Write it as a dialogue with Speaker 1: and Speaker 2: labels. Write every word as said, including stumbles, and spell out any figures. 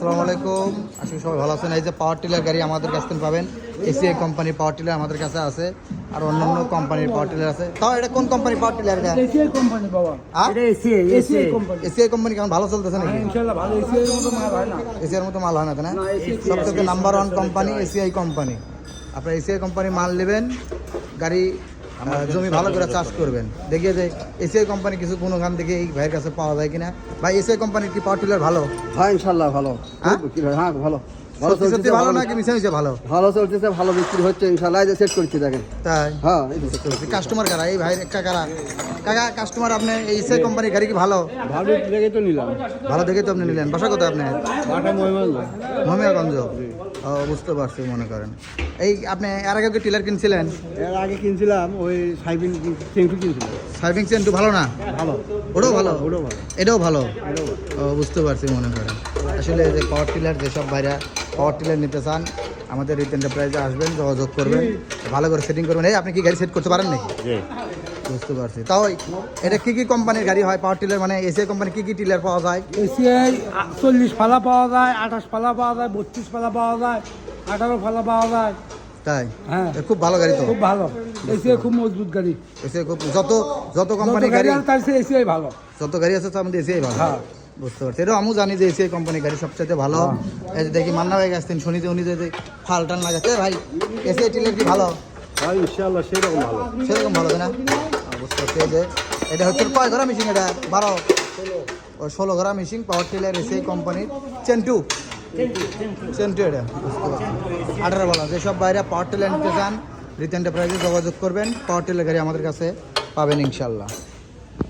Speaker 1: আসসালামু আলাইকুম, আশা করি সবাই ভালো আছেন। এই যে পাওয়ার টিলার গাড়ি আমাদের কাছ থেকে পাবেন। এসিআই কোম্পানির পাওয়ার টিলার আমাদের কাছে আছে, আর অন্যান্য কোম্পানির পাওয়ার টিলার আছে। তাও এটা কোন কোম্পানির পাওয়ার টিলার? এটা
Speaker 2: এসিআই কোম্পানি বাবা, এটা ACI ACI company.
Speaker 1: ACI company কেমন ভালো চলতেছে নাকি?
Speaker 2: হ্যাঁ ইনশাআল্লাহ ভালো। এসিআই এর মতো মাল হয় না,
Speaker 1: এসিআই এর মতো মাল হয় না, তাই না? সবথেকে number one company ACI company. আপনারা এসিআই কোম্পানি মাল নেবেন, গাড়ি জমি ভালো করে চাষ করবেন। দেখিয়ে যে এসিআই কোম্পানি কিছু গুণগান দেখে এই ভাইয়ের কাছে পাওয়া যায় কিনা। ভাই এসিআই কোম্পানির কি পাওয়ার টিলার ভালো?
Speaker 3: হ্যাঁ ইনশাআল্লাহ ভালো।
Speaker 1: হ্যাঁ
Speaker 3: হ্যাঁ ভালো ভালো
Speaker 1: সত্যি সত্যি ভালো নাকি মিশে মিশে ভালো?
Speaker 3: ভালো চলতেছে, ভালো বিক্রি হচ্ছে ইনশাআল্লাহ। এই যে সেট করছি দেখেন।
Speaker 1: তাই?
Speaker 3: হ্যাঁ
Speaker 1: কাস্টমার কারা এই ভাইয়ের একটা কারা? কাকা কাস্টমার আপনি এই এসিআই কোম্পানির গাড়ি কি ভালো?
Speaker 3: ভালো দেখে তো নিলাম।
Speaker 1: ভালো দেখে তো আপনি নিলেন। বাসা কোথায় আপনি?
Speaker 3: বাটা মহিমাল
Speaker 1: মহিমাগঞ্জ। ও বুঝতে পারছি, মনে করেন। এই আপনি এর আগে কি টিলার কিনছিলেন?
Speaker 3: এর আগে কিনছিলাম ওই সাইবিং চেংটু কিনছিলাম।
Speaker 1: সার্ভিং চেন্টু ভালো না?
Speaker 3: ভালো,
Speaker 1: ওটাও ভালো,
Speaker 3: ওটাও ভালো,
Speaker 1: এটাও ভালো।
Speaker 3: এটাও ভালো।
Speaker 1: ও বুঝতে পারছি, মনে করেন। আসলে যে পাওয়ার টিলার যেসব ভাইরা পাওয়ার টিলার নিতে চান, আমাদের রিত এন্টারপ্রাইজে আসবেন, যোগাযোগ করবেন, ভালো করে সেটিং করবেন। এই আপনি কি গাড়ি সেট করতে পারেন নাকি? বুঝতে পারছি। তাও এটা কি কি কোম্পানির গাড়ি হয় পাওয়ার টিলার? মানে এসিআই কোম্পানি কি কি টিলার পাওয়া যায়?
Speaker 2: এসিআই চল্লিশ ফালা পাওয়া যায়, আঠাশ ফালা পাওয়া যায়, বত্রিশ ফালা পাওয়া যায়, আঠারো ফালা পাওয়া যায়।
Speaker 1: তাই?
Speaker 2: হ্যাঁ
Speaker 1: এ খুব ভালো গাড়ি তো।
Speaker 2: খুব ভালো। এসিআই খুব মজবুত গাড়ি।
Speaker 1: এসিআই খুব যত যত
Speaker 2: যত
Speaker 1: কোম্পানির
Speaker 2: গাড়ি
Speaker 1: গাড়ি
Speaker 2: আছে তার চেয়ে এসিআই ভালো।
Speaker 1: যত গাড়ি আছে তার মধ্যে এসিআই ভালো।
Speaker 2: হ্যাঁ
Speaker 1: বুঝতে পারছি। এটা আমিও জানি যে এসিআই কোম্পানির গাড়ি সবচেয়ে ভালো। এই যে দেখি মান্না ভাই গেছেন, শুনি যে উনি যে ফাল টান লাগাচ্ছে। ভাই এসিআই টিলার কি ভালো?
Speaker 3: হ্যাঁ ইনশাআল্লাহ সেরকম ভালো।
Speaker 1: সেরকম ভালো, তাই না? বুঝতে পারছি। এই যে এটা হচ্ছে কয় ঘোড়া মেশিন? এটা বারো ও ষোলো ঘোড়া মেশিন পাওয়ার টিলার এসিআই কোম্পানির চেন্টু চেন্টু এটা। বুঝতে পারছি। আঠারো বলা যেসব বাইরে পাওয়ার টিলার নিতে চান, রিত এন্টারপ্রাইজে যোগাযোগ করবেন। পাওয়ার টিলার গাড়ি আমাদের কাছে পাবেন ইনশাল্লাহ।